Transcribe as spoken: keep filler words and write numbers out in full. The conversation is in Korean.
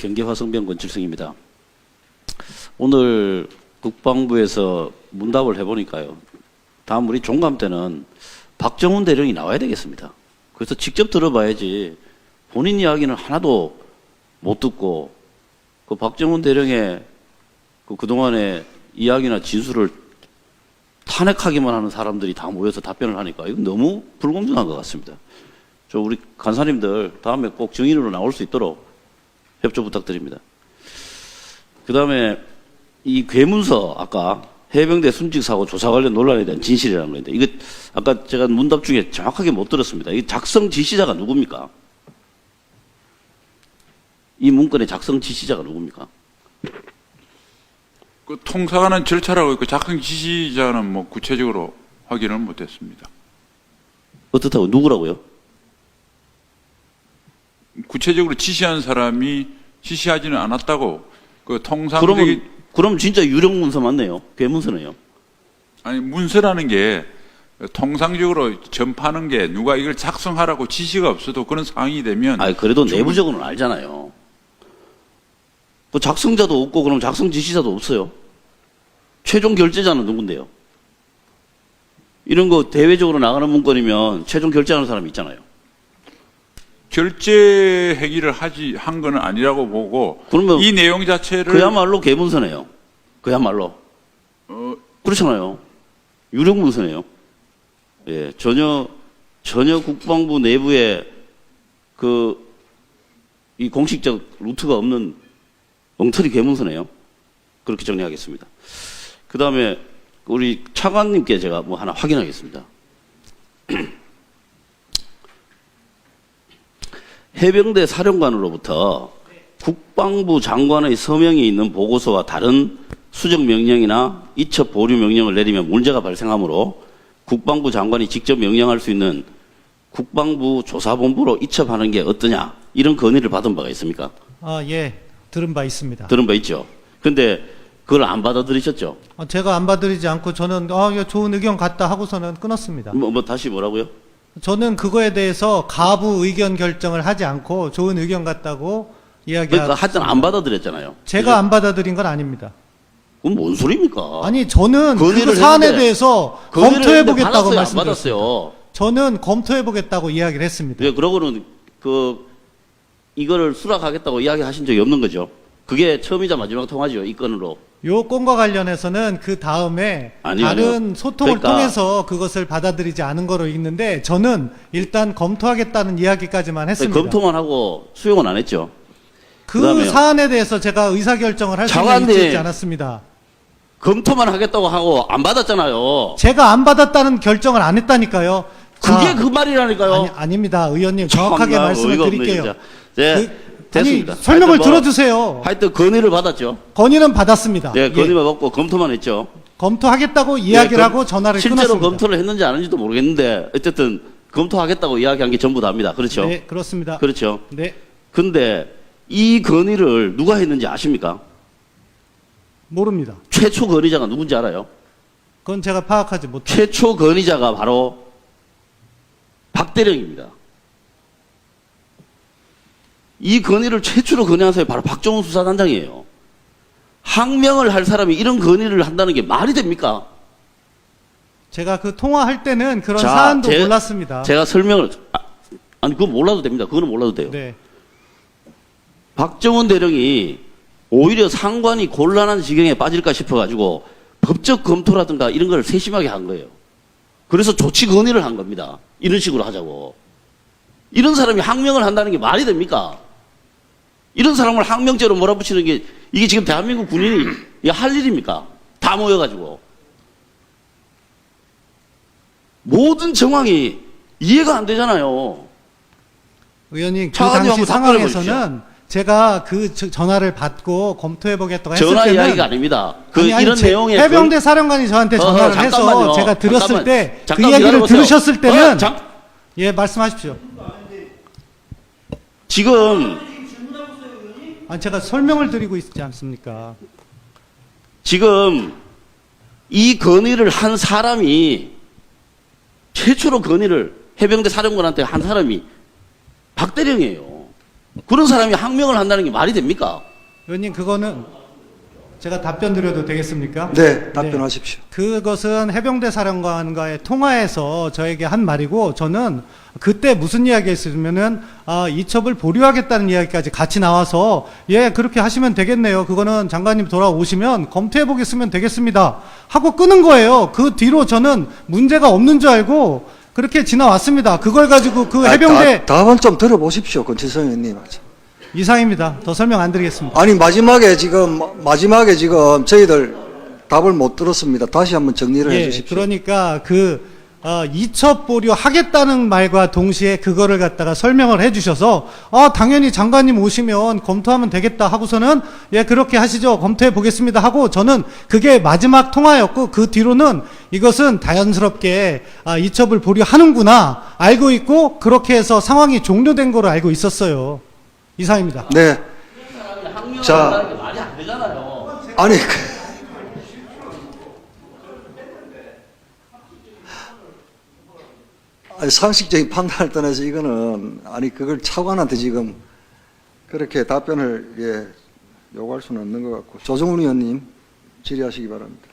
경계화성병 권칠성입니다. 오늘 국방부에서 문답을 해보니까요. 다음 우리 종감 때는 박정훈 대령이 나와야 되겠습니다. 그래서 직접 들어봐야지 본인 이야기는 하나도 못 듣고 그 박정훈 대령의 그 그동안의 이야기나 진술을 탄핵하기만 하는 사람들이 다 모여서 답변을 하니까 이건 너무 불공정한 것 같습니다. 저 우리 간사님들 다음에 꼭 증인으로 나올 수 있도록 협조 부탁드립니다. 그 다음에 이 괴문서 아까 해병대 순직사고 조사 관련 논란에 대한 진실이라는 건데 이거 아까 제가 문답 중에 정확하게 못 들었습니다. 이 작성 지시자가 누굽니까? 이 문건의 작성 지시자가 누굽니까? 그 통사하는 절차라고 있고 작성 지시자는 뭐 구체적으로 확인을 못했습니다. 어떻다고 누구라고요? 구체적으로 지시한 사람이 지시하지는 않았다고 그 통상적인 그러면 그럼 진짜 유령 문서 맞네요. 괴문서네요. 아니 문서라는 게 통상적으로 전파하는 게 누가 이걸 작성하라고 지시가 없어도 그런 상황이 되면 아니 그래도 내부적으로는 알잖아요. 그 작성자도 없고 그럼 작성 지시자도 없어요. 최종 결제자는 누군데요? 이런 거 대외적으로 나가는 문건이면 최종 결제하는 사람이 있잖아요. 결제 행위를 하지 한 거는 아니라고 보고 그러면 이 내용 자체를 그야말로 개문서네요. 그야말로 어, 그렇잖아요. 유령 문서네요. 예, 전혀 전혀 국방부 내부에 그 이 공식적 루트가 없는 엉터리 개문서네요. 그렇게 정리하겠습니다. 그 다음에 우리 차관님께 제가 뭐 하나 확인하겠습니다. 해병대 사령관으로부터 국방부 장관의 서명이 있는 보고서와 다른 수정 명령이나 이첩 보류 명령을 내리면 문제가 발생하므로 국방부 장관이 직접 명령할 수 있는 국방부 조사본부로 이첩하는 게 어떠냐 이런 건의를 받은 바가 있습니까? 아, 예. 들은 바 있습니다. 들은 바 있죠. 근데 그걸 안 받아들이셨죠? 어, 제가 안 받아들이지 않고 저는 아, 이거 좋은 의견 같다 하고서는 끊었습니다. 뭐, 뭐 다시 뭐라고요? 저는 그거에 대해서 가부 의견 결정을 하지 않고 좋은 의견 같다고 이야기하고 그러니까 하여튼 안 받아들였잖아요. 제가 그죠? 안 받아들인 건 아닙니다. 그건 뭔 소리입니까? 아니 저는 그 건의를 사안에 했는데, 대해서 건의를 검토해 했는데 보겠다고 받았어요, 안 말씀드렸습니다. 받았어요. 저는 검토해 보겠다고 이야기를 했습니다. 예, 그러고는 그 이거를 수락하겠다고 이야기하신 적이 없는 거죠. 그게 처음이자 마지막 통화죠. 이 건으로. 요 건과 관련해서는 그 다음에 아니요, 다른 아니요. 소통을 그러니까 통해서 그것을 받아들이지 않은 거로 있는데 저는 일단 검토하겠다는 이야기까지만 했습니다. 검토만 하고 수용은 안 했죠. 그 그다음에요. 사안에 대해서 제가 의사결정을 할 수 장관님. 있지 않았습니다. 검토만 하겠다고 하고 안 받았잖아요. 제가 안 받았다는 결정을 안 했다니까요. 그게 자, 그 말이라니까요. 아니, 아닙니다. 의원님 정확하게 참나 말씀을 어이가 없네, 드릴게요. 진짜. 네, 그, 됐습니다. 아니, 설명을 하여튼 뭐, 들어주세요. 하여튼 건의를 받았죠. 건의는 받았습니다. 네, 예. 건의만 받고 검토만 했죠. 검토하겠다고 이야기를 네, 하고 전화를 실제로 끊었습니다. 검토를 했는지 안 했는지도 모르겠는데 어쨌든 검토하겠다고 이야기한 게 전부 다입니다. 그렇죠? 네, 그렇습니다. 그렇죠. 네, 근데 이 건의를 누가 했는지 아십니까? 모릅니다. 최초 건의자가 누군지 알아요? 그건 제가 파악하지 못합니다. 최초 건의자가 바로 박대령입니다. 이 건의를 최초로 건의한 사람이 바로 박정훈 수사단장이에요. 항명을 할 사람이 이런 건의를 한다는 게 말이 됩니까? 제가 그 통화할 때는 그런 자, 사안도 제- 몰랐습니다. 제가 설명을 아, 아니 그건 몰라도 됩니다. 그거는 몰라도 돼요. 네, 박정훈 대령이 오히려 상관이 곤란한 지경에 빠질까 싶어가지고 법적 검토라든가 이런 걸 세심하게 한 거예요. 그래서 조치 건의를 한 겁니다. 이런 식으로 하자고. 이런 사람이 항명을 한다는 게 말이 됩니까? 이런 사람을 항명죄로 몰아붙이는 게 이게 지금 대한민국 군인이 이게 할 일입니까? 다 모여가지고. 모든 정황이 이해가 안 되잖아요. 의원님 그 차관님 당시 한번 답변해 상황에서는 제가 그 저- 전화를 받고 검토해보겠다고 했을 전화 때는 이야기가 아닙니다. 그 아니, 아니, 이런 제- 내용의 해병대 사령관이 저한테 어허, 전화를 잠깐만요. 해서 제가 들었을 잠깐만. 때 그 잠깐 이야기를 기다려보세요. 들으셨을 때는 어, 잠- 예 말씀하십시오. 지금 아니 제가 설명을 드리고 있지 않습니까? 지금 이 건의를 한 사람이 최초로 건의를 해병대 사령관한테 한 사람이 박대령이에요. 그런 사람이 항명을 한다는 게 말이 됩니까? 의원님 그거는 제가 답변 드려도 되겠습니까? 네, 답변하십시오. 그것은 해병대 사령관과의 통화에서 저에게 한 말이고 저는 그때 무슨 이야기 했으면은 아, 이첩을 보류하겠다는 이야기까지 같이 나와서 예 그렇게 하시면 되겠네요. 그거는 장관님 돌아오시면 검토해 보겠으면 되겠습니다. 하고 끊은 거예요. 그 뒤로 저는 문제가 없는 줄 알고 그렇게 지나왔습니다. 그걸 가지고 그 해병대 아, 다, 답은 좀 들어보십시오, 권치성 의원님. 이상입니다. 더 설명 안 드리겠습니다. 아니 마지막에 지금 마지막에 지금 저희들 답을 못 들었습니다. 다시 한번 정리를 예, 해주십시오. 그러니까 그 어, 이첩 보류 하겠다는 말과 동시에 그거를 갖다가 설명을 해주셔서 아 당연히 장관님 오시면 검토하면 되겠다 하고서는 예 그렇게 하시죠 검토해 보겠습니다 하고 저는 그게 마지막 통화였고 그 뒤로는 이것은 자연스럽게 아, 이첩을 보류하는구나 알고 있고 그렇게 해서 상황이 종료된 거로 알고 있었어요. 이상입니다. 네. 자, 한다는 게 말이 안 되잖아요. 아니 그- 아니, 상식적인 판단을 떠나서 이거는 아니 그걸 차관한테 지금 그렇게 답변을 예, 요구할 수는 없는 것 같고 조정훈 의원님 질의하시기 바랍니다.